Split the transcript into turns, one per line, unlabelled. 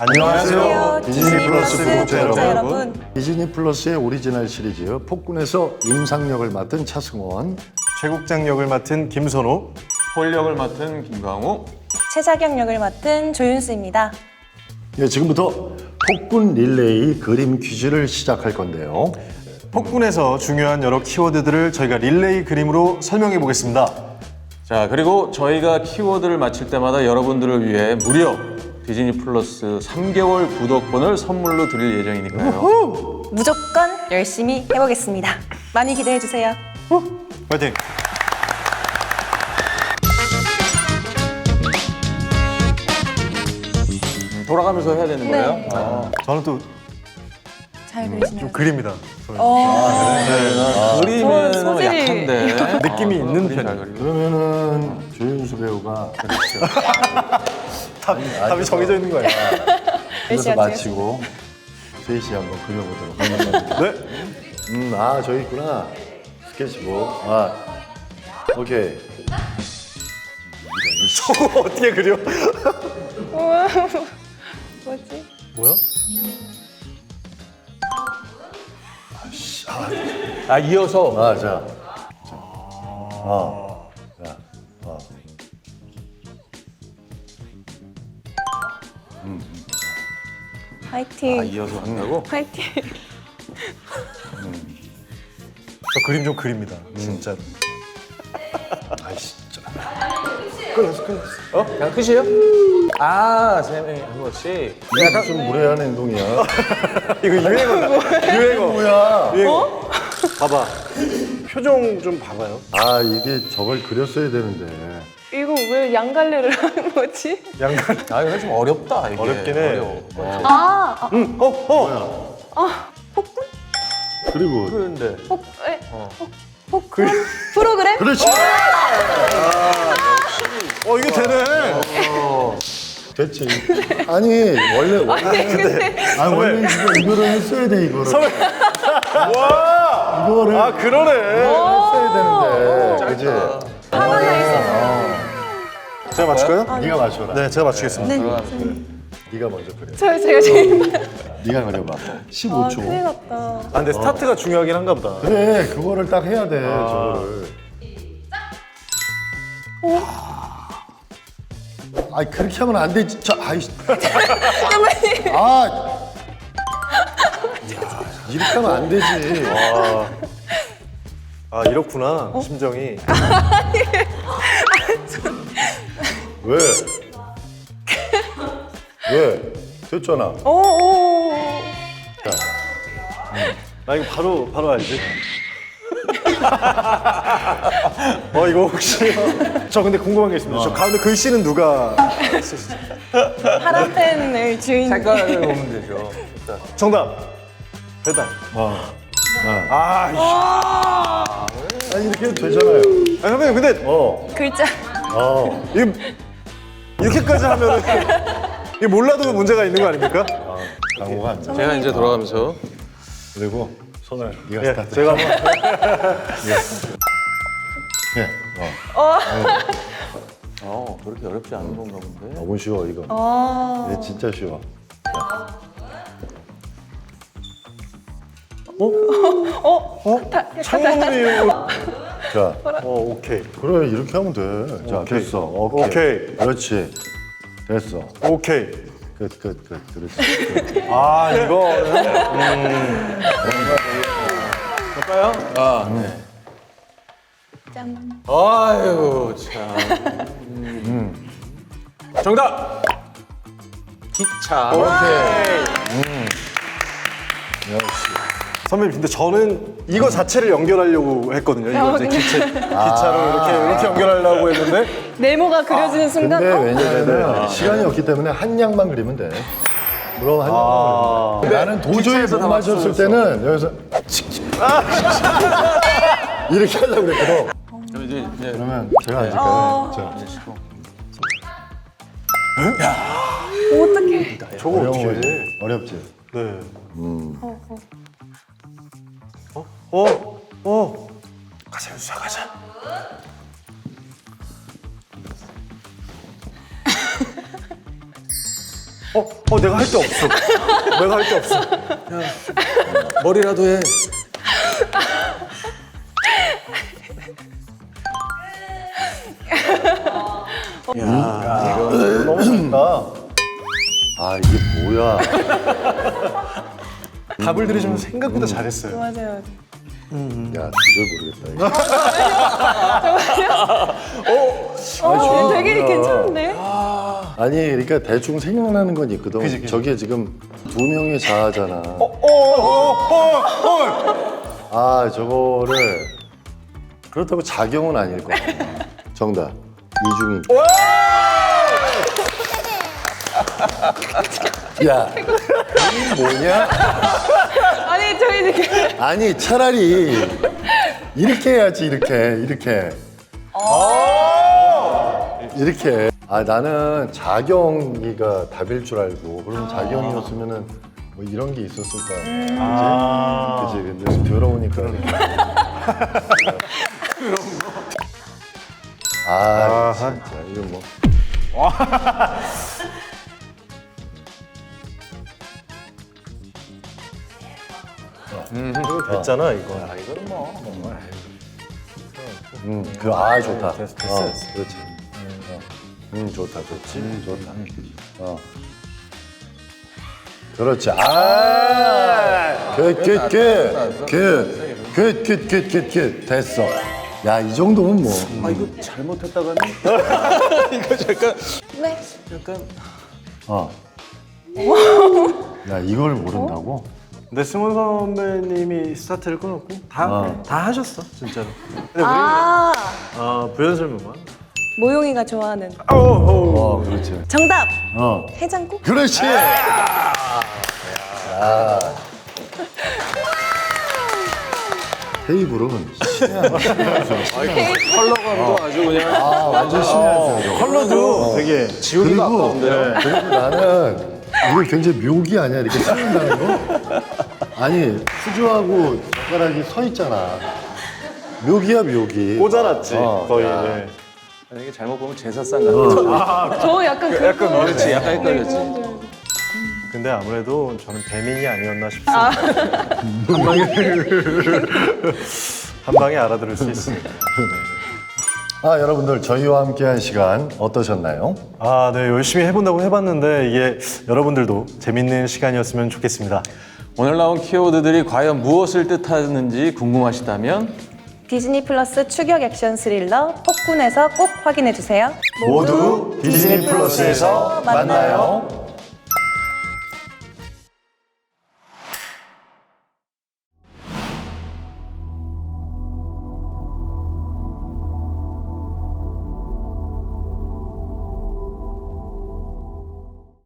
안녕하세요. 디즈니 플러스 구독자 여러분.
디즈니 플러스의 오리지널 시리즈 폭군에서 임상역을 맡은 차승원,
최국장 역을 맡은 김선호,
폴 역을 맡은 김광호,
최자경 역을 맡은 조윤수입니다.
예, 지금부터 폭군 릴레이 그림 퀴즈를 시작할 건데요.
폭군에서 중요한 여러 키워드들을 저희가 릴레이 그림으로 설명해 보겠습니다.
자, 그리고 저희가 키워드를 맞힐 때마다 여러분들을 위해 무려 디즈니 플러스 3개월 구독권을 선물로 드릴 예정이니까요.
무조건 열심히 해보겠습니다. 많이 기대해주세요.
파이팅!
돌아가면서 해야 되는 거예요?
저는 또
잘 그리시네요.
그립니다.
그림에는
소질이-
약한데
느낌이 있는
그림 잘
편.
그리고.
그러면은 조윤수 배우가
답이 정해져 있는 거예요.
그래서
열심히
마치고 셋이 한번 그려보도록 하겠습니다.
네?
저기 있구나. 스케치북. 오케이.
저거 어떻게 그려?
뭐지?
뭐야?
아, 이어서
자.
화이팅.
이어서 한다고?
화이팅.
저 그림 좀 그립니다. 진짜로.
그냥 끝이에요? 아, 세 명이 한 번씩.
이게 무슨 무례한 행동이야.
이거 유행어다. 유행어.
뭐야?
유행어. 봐봐. 표정 좀 봐봐요.
이게 저걸 그렸어야 되는데.
이거 왜 양갈래를 하는 거지?
양간.
아, 이거 좀 어렵다, 이게.
어렵긴 해.
어려워.
폭군?
그리고
그런데
폭군? 프로그램?
그렇지.
이게 되네.
됐지. 아니 원래 원래 이거를 했어야 돼 이거를.
와.
이거를
그러네.
했어야 되는데. 그지?
하나 있어.
제가 맞출까요?
네가 맞춰라.
네, 제가 맞추겠습니다.
네가 먼저 그려.
제가 제일
네가 그려봐.
큰일
15초.
났다.
근데 스타트가 중요하긴 한가 보다.
그래 그거를 딱 해야 돼 저거를. 그렇게 하면 안 되지. 이렇게 하면 안 되지.
이렇구나. 심정이.
왜? 왜? 됐잖아.
오.
나 이거 바로 알지? 이거 혹시 저 근데 궁금한 게 있습니다. 저 가운데 글씨는 누가 쓰시죠?
파란 펜을 주인.
색깔을 보면 되죠.
정답. 됐다.
이렇게 해도 되잖아요.
선배님 근데
글자.
이게 이렇게까지 하면은 이게 몰라도 문제가 있는 거 아닙니까?
강호가 안 돼.
제가 이제 돌아가면서
그리고 손을 네가
예,
스타트.
제가 한번
그렇게 어렵지 않은 건가 본데.
너무 쉬워 이거. 이게 진짜 쉬워.
창문이
자,
오케이.
그래 이렇게 하면 돼. 자,
오케이.
됐어. 오케이.
오케이.
그렇지. 됐어.
오케이.
끝. 그렇지.
이거는
볼까요? 네.
짠.
아유, 참. 정답! 기차.
선배님 근데 저는 이거 자체를 연결하려고 했거든요. 이거 이제 기차로 이렇게 연결하려고 했는데
네모가 그려지는 순간
근데 왜냐면은 시간이 없기 때문에 한 양만 그리면 돼. 물론 한 양만 그리면 돼. 나는 도저히 못 맞췄을 때는 여기서 이렇게 하려고 그랬거든.
그럼 이제
그러면 제가 앉을까요? 자,
어떡해.
저거 어떻게 해?
어렵지?
네. 가자 윤수야 가자. 내가 할 게 없어. 내가 할 게 없어.
머리라도 해.
너무 잘한다.
아 이게 뭐야?
답을 들으시면 생각보다 잘했어요.
맞아요.
야 도저히 모르겠다.
되게 괜찮은데?
아니 그러니까 대충 생각나는 건 있거든. 저게 지금 두 명의 자아잖아. 아 저거를 그렇다고 자경은 아닐 거야. 정답 이중인. 야 이게 뭐냐?
아니 저희 지금
아니 차라리 이렇게 해야지 이렇게. 이렇게. 아 나는 자경이가 답일 줄 알고 그럼 자경이었으면은 뭐 이런 게 있었을 거 아니야. 그지? 근데 좀 더러우니까. 아 진짜 이거 뭐.
이거 됐잖아 이거. 이거는 뭐.
아 좋다.
됐어.
그렇지. 좋다, 좋지, 좋다. 그렇지. 굿. 됐어. 야, 이 정도면 뭐.
이거 잘못했다가는 이거
네.
약간
야, 이걸 모른다고?
근데 승훈 선배님이 스타트를 끊었고 다 하셨어 진짜로. 근데 우리는 부연설명만.
모용이가 좋아하는
그렇지.
정답.
어,
해장국?
그렇지. 테이블은
컬러감도 아주 그냥
완전 신의 한 수야.
컬러도 되게
지우기가
그리고,
아까운데요.
그리고 나는 이거 굉장히 묘기 아니야? 이렇게 쓰는다는 거? 아니, 수저하고 젓가락이 서 있잖아. 묘기야, 묘기.
꽂아놨지 거의.
야.
네.
이게 잘못 보면 제사상 같은.
저 약간
그렇지, 약간 헷갈렸지.
근데 아무래도 저는 배민이 아니었나 싶습니다. 한 방에 알아들을 수 있습니다.
아, 여러분들 저희와 함께한 시간 어떠셨나요?
네, 열심히 해본다고 해봤는데 이게 여러분들도 재밌는 시간이었으면 좋겠습니다.
오늘 나온 키워드들이 과연 무엇을 뜻하는지 궁금하시다면
디즈니 플러스 추격 액션 스릴러 폭군에서 꼭 확인해 주세요.
모두 디즈니 플러스에서 만나요.